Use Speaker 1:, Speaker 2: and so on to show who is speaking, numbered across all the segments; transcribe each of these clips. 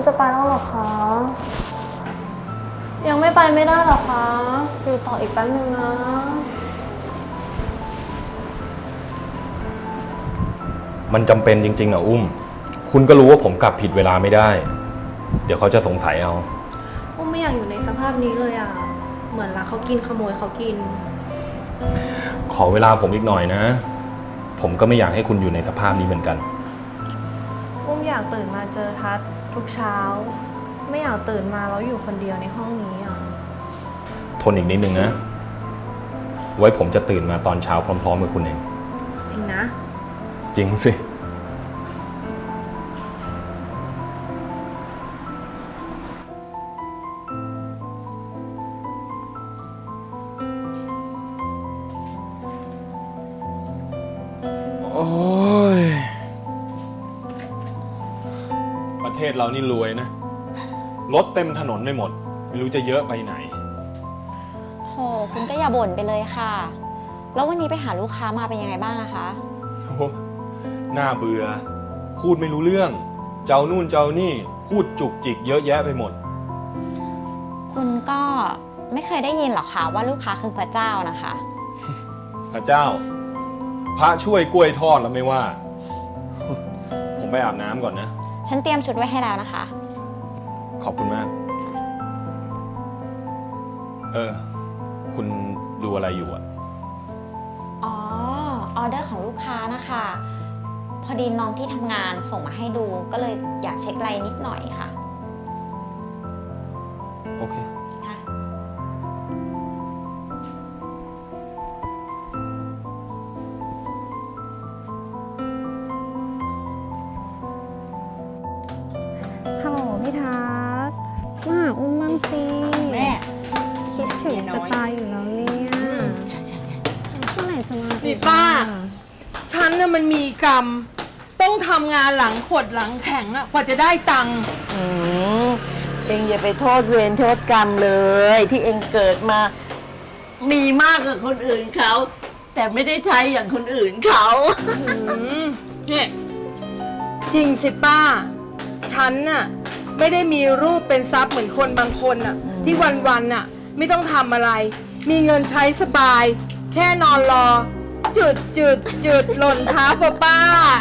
Speaker 1: จะไปแล้วเหรอคะยังไม่ไปไม่ได้หรอคะอยู่ต่ออีกแป๊บนึงนะ
Speaker 2: มันจำเป็นจริงๆนะอุ้มคุณก็รู้ว่าผมกลับผิดเวลาไม่ได้ เดี๋ยวเขาจะสงสัยเอา
Speaker 1: อุ้มไม่อยากอยู่ในสภาพนี้เลยอ่ะเหมือนรักเขากินขโมยเขากิน
Speaker 2: ขอเวลาผมอีกหน่อยนะผมก็ไม่อยากให้คุณอยู่ในสภาพนี้เหมือนกัน
Speaker 1: อุ้มอยากตื่นมาเจอทัศน์ทุกเช้าไม่อยากตื่นมาแล้วอยู่คนเดียวในห้องนี้อ่ะ
Speaker 2: ทนอีกนิดนึงนะไว้ผมจะตื่นมาตอนเช้าพร้อมๆกับคุณเอง
Speaker 1: จริงนะ
Speaker 2: จริงสิโอ้ยประเทศเรานี่รวยนะรถเต็มถนนไม่หมดไม่รู้จะเยอะไปไหน
Speaker 3: โหคุณก็อย่าบ่นไปเลยค่ะแล้ววันนี้ไปหาลูกค้ามาเป็นยังไงบ้างอะคะ
Speaker 2: โอ้น่าเบื่อพูดไม่รู้เรื่องเจ้านู่นเจ้านี่พูดจุกจิกเยอะแยะไปหมด
Speaker 3: คุณก็ไม่เคยได้ยินหรอคะว่าลูกค้าคือพระเจ้านะคะ
Speaker 2: พระเจ้าพระช่วยกล้วยทอดแล้วไม่ว่าผมไปอาบน้ำก่อนนะ
Speaker 3: ฉันเตรียมชุดไว้ให้แล้วนะคะ
Speaker 2: ขอบคุณมากคุณดูอะไรอยู่อะ
Speaker 3: อ๋อออเดอร์ของลูกค้านะคะพอดีน้องที่ทำงานส่งมาให้ดูก็เลยอยากเช็ครายนิดหน่อยค่ะ
Speaker 2: โอเค
Speaker 3: ค่ะ
Speaker 1: ฮัลโหลพี่ทัศน์มาหาอุ้มบ้างสิ
Speaker 4: แม่
Speaker 1: คิดถึงจะตายอยู่แล้วเนี่ยเมื่อไหร่จะมา
Speaker 4: พี่ป้าฉันน่ะมันมีกรรมต้องทำงานหลังขดหลังแข็งอะกว่าจะได้ตังค์
Speaker 5: เองอย่าไปโทษเวรโทษกรรมเลยที่เองเกิดมามีมากกว่าคนอื่นเขาแต่ไม่ได้ใช้อย่างคนอื่นเขา
Speaker 4: เนี่ยจริงสิป้าฉันน่ะไม่ได้มีรูปเป็นทรัพย์เหมือนคนบางคนน่ะที่วันๆน่ะไม่ต้องทำอะไรมีเงินใช้สบายแค่นอนรอจุดหล่นทับป้า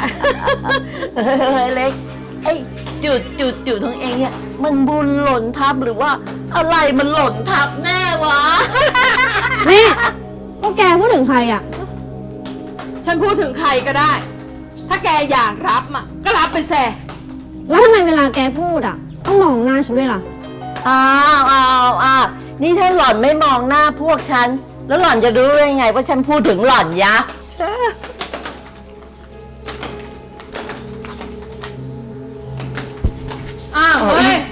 Speaker 5: เล็กไอ้จุดของเองเนี่ยมันบุญหล่นทับหรือว่าอะไรมันหล่นทับแน่วะ
Speaker 1: นี่พวกแกพูดถึงใครอ่ะ
Speaker 4: ฉันพูดถึงใครก็ได้ถ้าแกอยากรับอ่ะก็รับไปแซ่
Speaker 1: แล้วทำไมเวลาแกพูดอ่ะต้องมองหน้าฉันด้วยล่ะ
Speaker 5: อ้าวนี่ถ้าหล่อนไม่มองหน้าพวกฉันแล้วหล่อนจะรู้ได้ไงว่าฉันพูดถึงหล่อนยะ
Speaker 4: เฮ้ย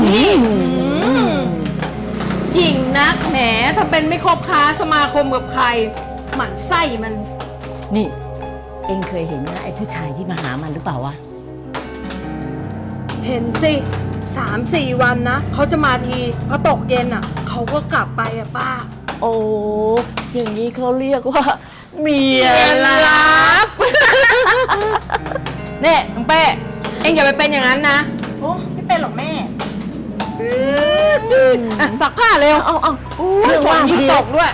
Speaker 4: หญิงนักแหมถ้าเป็นไม่คบค้าสมาคมกับใครหมั่นไส้มัน
Speaker 5: นี่เอ็งเคยเห็นนะไอ้ผู้ชายที่มาหามันหรือเปล่าวะ
Speaker 4: เห็นสิ3-4 วันนะเขาจะมาทีพอตกเย็นอ่ะเขาก็กลับไปอ่ะป้า
Speaker 5: โอ้อย่างนี้เขาเรียกว่าเมียลับ
Speaker 4: เนี่ยน้องเป้เอ็งอย่าไปเป็นอย่างนั้นนะ
Speaker 5: โอ้ไม่เป็นหรอกแม่
Speaker 4: ซักผ้าเร็ว
Speaker 5: เอา
Speaker 4: ฝนยิ่งตกด้วย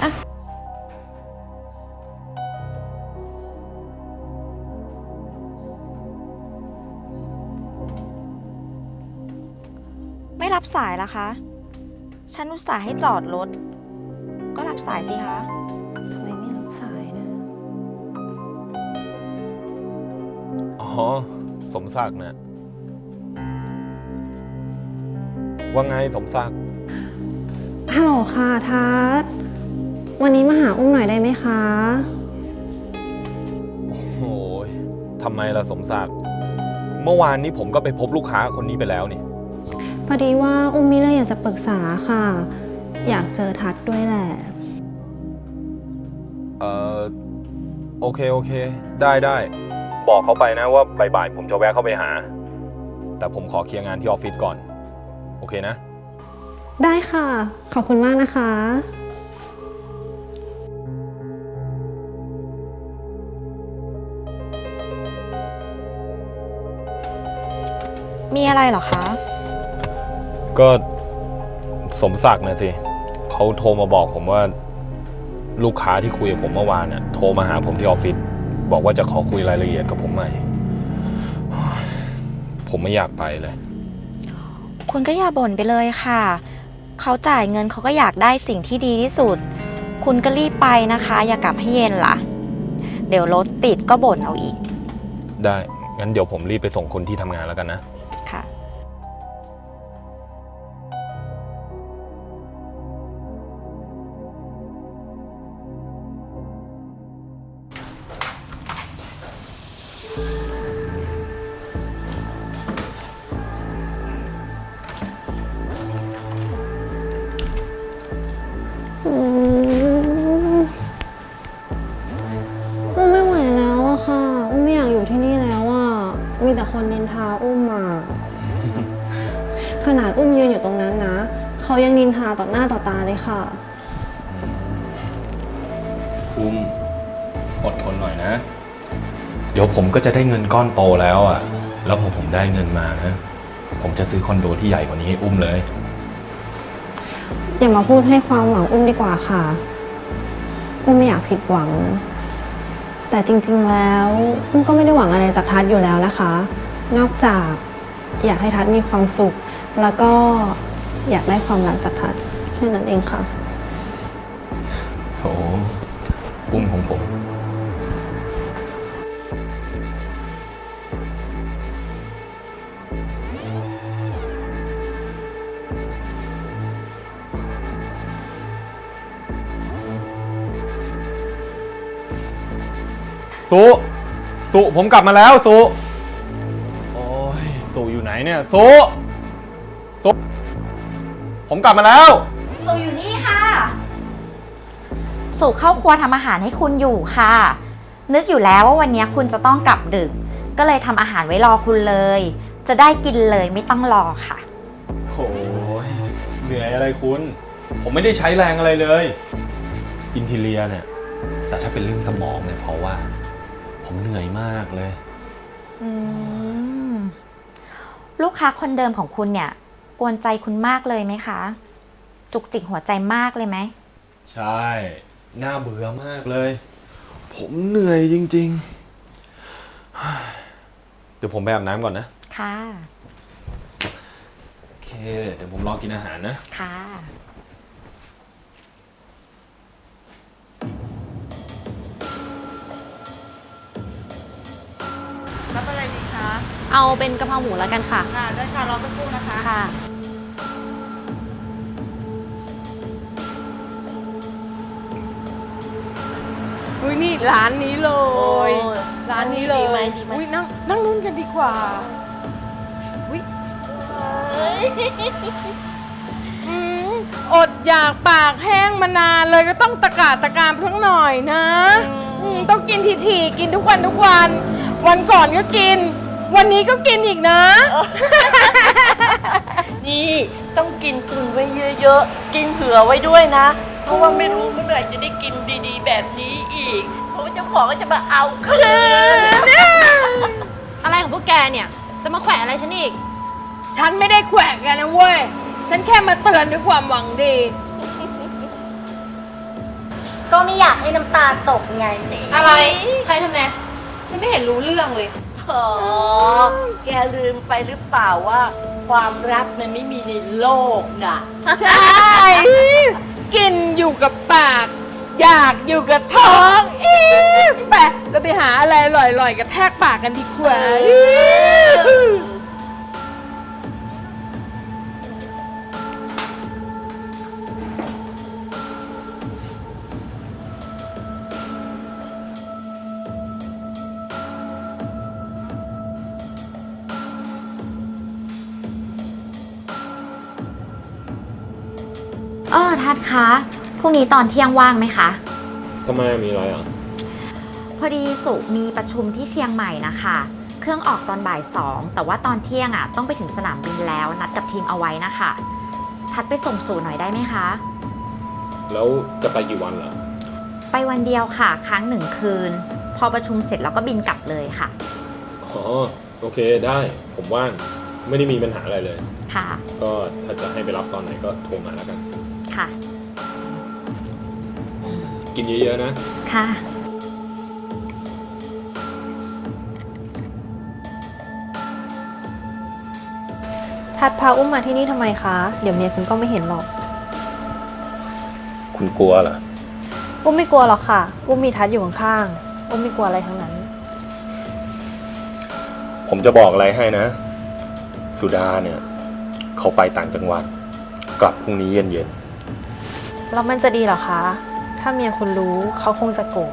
Speaker 3: ไม่รับสายละคะฉันอุตส่าห์ให้จอดรถก็รับสายสิคะ
Speaker 1: ทำไมไม่รับสายนะ
Speaker 2: อ๋อสมศักดิ์นะว่าไงสมศักดิ์
Speaker 1: ฮัลโหลค่ะทัศน์วันนี้มาหาอุ้มหน่อยได้ไหมคะ
Speaker 2: โอ้โหทำไมล่ะสมศักดิ์เมื่อวานนี้ผมก็ไปพบลูกค้าคนนี้ไปแล้วนี่
Speaker 1: พอดีว่าอุ้มมีเรื่องอยากจะปรึกษาค่ะอยากเจอทัศน์ด้วยแหละ
Speaker 2: โอเคได้บอกเขาไปนะว่าบ่ายๆผมจะแวะเข้าไปหาแต่ผมขอเคลียร์งานที่ออฟฟิศก่อนโอเคนะ
Speaker 1: ได้ค่ะขอบคุณมากนะคะ
Speaker 3: มีอะไรเหรอคะ
Speaker 2: ก็สมศักดิ์นะสิเขาโทรมาบอกผมว่าลูกค้าที่คุยกับผมเมื่อวานน่ะโทรมาหาผมที่ออฟฟิศบอกว่าจะขอคุยรายละเอียดกับผมใหม่ ผมไม่อยากไปเลย
Speaker 3: คุณก็อย่าบ่นไปเลยค่ะเขาจ่ายเงินเขาก็อยากได้สิ่งที่ดีที่สุด คุณก็รีบไปนะคะ อย่ากลับให้เย็นล่ะ เดี๋ยวรถติดก็บ่นเอาอีก
Speaker 2: ได้งั้นเดี๋ยวผมรีบไปส่งคนที่ทำงานแล้วกันนะ
Speaker 3: ค่ะ
Speaker 1: อุ้มไม่ไหวแล้วอะค่ะ อุ้มไม่อยากอยู่ที่นี่แล้วอะมีแต่คนนินทาอุ้มอะขนาดอุ้มยืนอยู่ตรงนั้นนะ เขายังนินทาต่อหน้าต่อตาเลยค่ะ
Speaker 2: อุ้มอดทนหน่อยนะ เดี๋ยวผมก็จะได้เงินก้อนโตแล้วอ่ะ แล้วพอผมได้เงินมานะ ผมจะซื้อคอนโดที่ใหญ่กว่านี้ให้อุ้มเลย
Speaker 1: อย่ามาพูดให้ความหวังอุ้มดีกว่าค่ะ อุ้มไม่อยากผิดหวัง แต่จริงๆแล้วอุ้มก็ไม่ได้หวังอะไรจากทัศน์อยู่แล้วนะคะ นอกจากอยากให้ทัศน์มีความสุข แล้วก็อยากได้ความรักจากทัศน์แค่นั้นเองค่ะ
Speaker 2: โอ้อุ้มของผม สุผมกลับมาแล้วสุโอ้ยสุอยู่ไหนเนี่ยสุผมกลับมาแล้ว
Speaker 3: สุอยู่นี่ค่ะสุเข้าครัวทำอาหารให้คุณอยู่ค่ะ นึกอยู่แล้วว่าวันนี้คุณจะต้องกลับดึก ก็เลยทำอาหารไว้รอคุณเลย จะได้กินเลยไม่ต้องรอค่ะ
Speaker 2: โอ้ยเหนื่อยอะไรคุณ ผมไม่ได้ใช้แรงอะไรเลย อินทีเรียเนี่ย แต่ถ้าเป็นเรื่องสมองเนี่ยเพราะว่า ผมเหนื่อยมากเลย
Speaker 3: อืมลูกค้าคนเดิมของคุณเนี่ยกวนใจคุณมากเลยไหมคะ จุกจิกหัวใจมากเลยไหม
Speaker 2: ใช่ น่าเบื่อมากเลย ผมเหนื่อยจริงๆ เดี๋ยวผมไปอาบน้ำก่อนนะ
Speaker 3: ค่ะ
Speaker 2: โอเค เดี๋ยวผมรอกินอาหารนะ
Speaker 3: ค่ะ
Speaker 6: รับอะไรดีคะ
Speaker 1: เอาเป็นกะเพราหมูแล้วกันค่ะ
Speaker 6: ค่ะได้ค่ะรอสักครู่นะคะ
Speaker 1: ค่ะ
Speaker 4: อุ้ยนี่ร้านนี้เลย
Speaker 5: โอ้ย
Speaker 4: ร้านนี้เลย
Speaker 5: ดีไหมดีไหม
Speaker 4: อุ้ยนั่งนู่นกันดีกว่าอุ้ยอืมอดอยากปากแห้งมานานเลยก็ต้องตะกาตะการสักหน่อยนะต้องกินทีๆกินทุกวันทุกวัน วันก่อนก็กิน วันนี้ก็กินอีกนะ
Speaker 5: นี่ต้องกินตุนไว้เยอะๆ กินเผื่อไว้ด้วยนะ เพราะว่าไม่รู้เมื่อไหร่จะได้กินดีๆ แบบนี้อีก เพราะว่าเจ้าของก็จะมาเอาคืน
Speaker 6: อะไรของพวกแกเนี่ย จะมาแขวะอะไรฉันอีก
Speaker 4: ฉันไม่ได้แขวะแกันนะเว้ย ฉันแค่มาเตือนด้วยความหวังดี
Speaker 5: ก็ไม่อยากให้น้ำตาตกไง
Speaker 6: อะไร ใครทำไมฉันไม่เห็นรู้เรื่องเลย
Speaker 5: อ๋อ แกลืมไปหรือเปล่าว่า ความรักมันไม่มีในโลกน่ะ
Speaker 4: ใช่ กินอยู่กับปาก อยากอยู่กับท้องอีไปเราไปหาอะไรอร่อยๆกระแทกปากกันดีกว่า
Speaker 3: ทัดคะพรุ่งนี้ตอนเที่ยงว่างไหมคะ
Speaker 2: ทำไมมีอะไรอ่ะ
Speaker 3: พอดีสุมีประชุมที่เชียงใหม่นะคะ เครื่องออกตอนบ่าย 2แต่ว่าตอนเที่ยงอ่ะต้องไปถึงสนามบินแล้วนัดกับทีมเอาไว้นะคะ ทัดไปส่งสู่หน่อยได้ไหมคะ
Speaker 2: แล้วจะไปกี่วันเหรอ
Speaker 3: ไปวันเดียวค่ะค้าง1 คืน พอประชุมเสร็จแล้วก็บินกลับเลยค่ะ
Speaker 2: อ๋อ โอเคได้ ผมว่าง เไม่ได้มีปัญหาอะไรเลย
Speaker 3: ค่ะ
Speaker 2: ก็ถ้าจะให้ไปรับตอนไหนก็โทรมาแล้วกัน
Speaker 3: ค่ะ
Speaker 2: กินเยอะๆนะ
Speaker 3: ค่ะ
Speaker 1: ทัดพาอุ้มมาที่นี่ทำไมคะ เดี๋ยวเมียคุณก็ไม่เห็นหรอก
Speaker 2: คุณกลัวเหรอ
Speaker 1: อุ้มไม่กลัวหรอกค่ะ อุ้มมีทัดอยู่ข้างๆ อุ้มไม่กลัวอะไรทั้งนั้น
Speaker 2: ผมจะบอกอะไรให้นะ สุดาเนี่ย เขาไปต่างจังหวัด กลับพรุ่งนี้เย็น
Speaker 1: แล้วมันจะดีเหรอคะ ถ้าเมียคุณรู้เขาคงจะโกรธ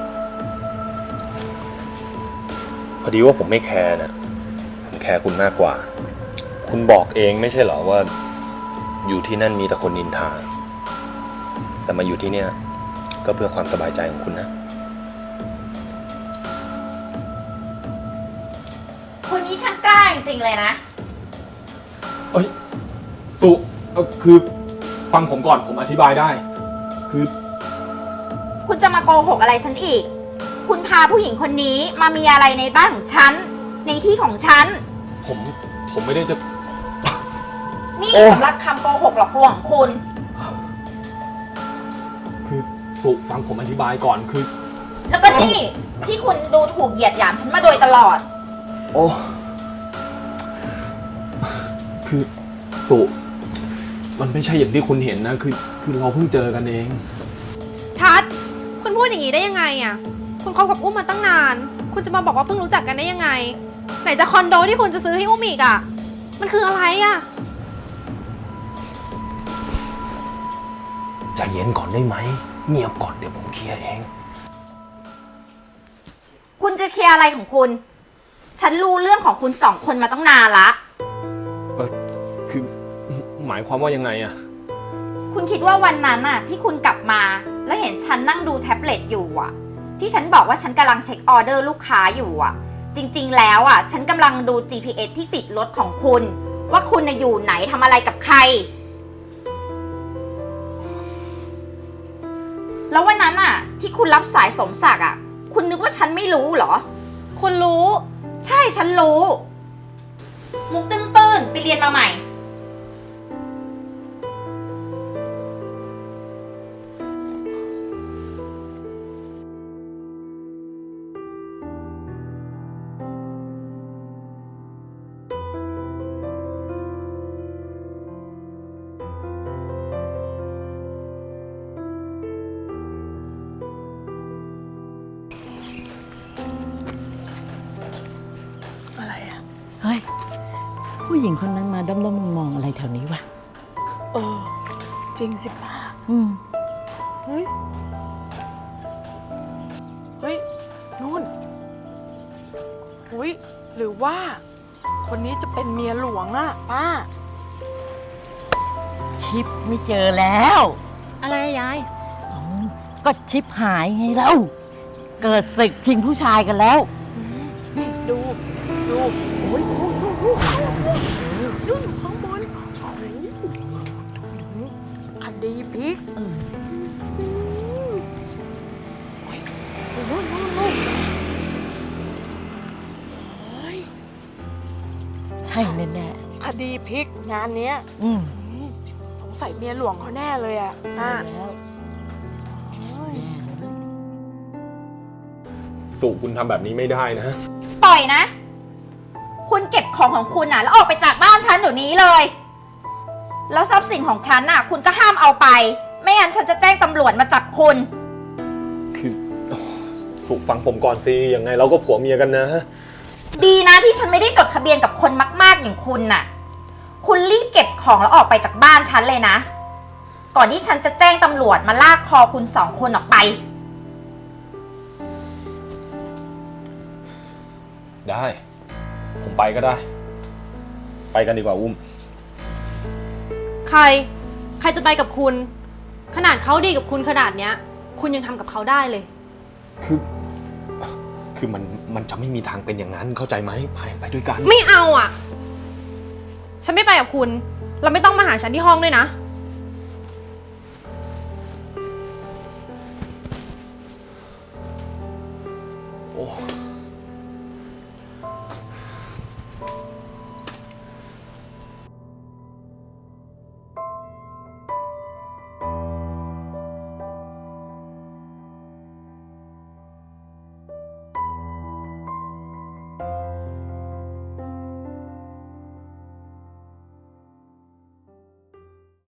Speaker 2: ๆพอดีว่าผมไม่แคร์นะผมแคร์คุณมากกว่า คุณบอกเองไม่ใช่เหรอว่า อยู่ที่นั่นมีแต่คนนินทา แต่มาอยู่ที่เนี่ย ก็เพื่อความสบายใจของคุณนะ
Speaker 3: คนนี้ช่างกล้าจริงๆเลยนะ
Speaker 2: เอ้ยสุคือฟังผมก่อนผมอธิบายได้ คือ
Speaker 3: คุณจะมาโกหกอะไรฉันอีก คุณพาผู้หญิงคนนี้มามีอะไรในบ้านของฉัน ในที่ของฉัน
Speaker 2: ผมไม่ได้จะ
Speaker 3: นี่
Speaker 2: โอ้
Speaker 3: สำหรับคำโกหกหลอกลวงของคุณ
Speaker 2: คือสุฟังผมอธิบายก่อนคือ
Speaker 3: แล้วก็นี่ที่คุณดูถูกเหยียดหยามฉันมาโดยตลอด
Speaker 2: โอ้คือสุมันไม่ใช่อย่างที่คุณเห็นนะคือเราเพิ่งเจอกันเอง
Speaker 6: ทัด คุณพูดอย่างนี้ได้ยังไงอ่ะ คุณคบกับอุ้มมาตั้งนาน คุณจะมาบอกว่าเพิ่งรู้จักกันได้ยังไง ไหนจะคอนโดที่คุณจะซื้อให้อุ้มอีกอ่ะ มันคืออะไรอ่ะ
Speaker 2: ใจเย็นก่อนได้ไหมเงียบก่อนเดี๋ยวผมเคลียร์เอง
Speaker 3: คุณจะเคลียร์อะไรของคุณ ฉันรู้เรื่องของคุณสองคนมาตั้งนานละ
Speaker 2: คือหมายความว่ายังไงอะ
Speaker 3: คุณคิดว่าวันนั้นน่ะที่คุณกลับมา แล้วเห็นฉันนั่งดูแท็บเล็ตอยู่อ่ะ ที่ฉันบอกว่าฉันกำลังเช็คออเดอร์ลูกค้าอยู่อ่ะ จริงๆแล้วอ่ะฉันกำลังดู GPS ที่ติดรถของคุณ ว่าคุณน่ะอยู่ไหนทำอะไรกับใคร แล้ววันนั้นอ่ะ ที่คุณรับสายสมศักดิ์อ่ะ คุณนึกว่าฉันไม่รู้เหรอ
Speaker 6: คุณรู้
Speaker 3: ใช่ฉันรู้ มุกตื้นๆไปเรียนมาใหม่
Speaker 5: อะไรอ่ะ เฮ้ย ผู้หญิงคนนั้นมาด้อมๆมองๆอะไรแถวนี้วะ
Speaker 4: จริงสิป้า
Speaker 5: อืม
Speaker 4: เฮ้ย เฮ้ย นู่นอุ้ยหรือว่า คนนี้จะเป็นเมียหลวงอะป้า
Speaker 5: ชิปไม่เจอแล้ว
Speaker 6: อะไรอะยาย
Speaker 5: อ๋อก็ชิปหายไงแล้ว เกิดศึกชิงผู้ชายกันแล้ว
Speaker 4: นี่ดูโอ้ยนู่นข้างบนคดีพลิกนู่นเฮ้ย
Speaker 5: ใช่แน่
Speaker 4: คดีพลิกงานเนี้ย
Speaker 5: ๆอืม
Speaker 4: สงสัยเมียหลวงเขาแน่เลยอ่ะ
Speaker 5: ใช่แล้ว
Speaker 4: เฮ้ย
Speaker 5: แน่เลย
Speaker 2: สุคุณทำแบบนี้ไม่ได้นะ
Speaker 3: ปล่อยนะ คุณเก็บของของคุณน่ะ แล้วออกไปจากบ้านฉันเดี๋ยวนี้เลย แล้วทรัพย์สินของฉันน่ะ คุณก็ห้ามเอาไป ไม่งั้นฉันจะแจ้งตำรวจมาจับคุณ
Speaker 2: คือสุฟังผมก่อนสิยังไงเราก็ผัวเมียกันนะ
Speaker 3: ดีนะที่ฉันไม่ได้จดทะเบียนกับคนมากๆอย่างคุณน่ะ คุณรีบเก็บของแล้วออกไปจากบ้านฉันเลยนะ ก่อนที่ฉันจะแจ้งตำรวจมาลากคอคุณสองคนออกไป
Speaker 2: ได้ ผมไปก็ได้ ไปกันดีกว่าอุ้ม
Speaker 6: ใครจะไปกับคุณ ขนาดเขาดีกับคุณขนาดเนี้ย คุณยังทำกับเขาได้เลย
Speaker 2: คือมันจะไม่มีทางเป็นอย่างนั้นเข้าใจไหมไปด้วยกัน
Speaker 6: ไม่เอาอ่ะ ฉันไม่ไปกับคุณ เราไม่ต้องมาหาฉันที่ห้องด้วยนะ
Speaker 2: โอ้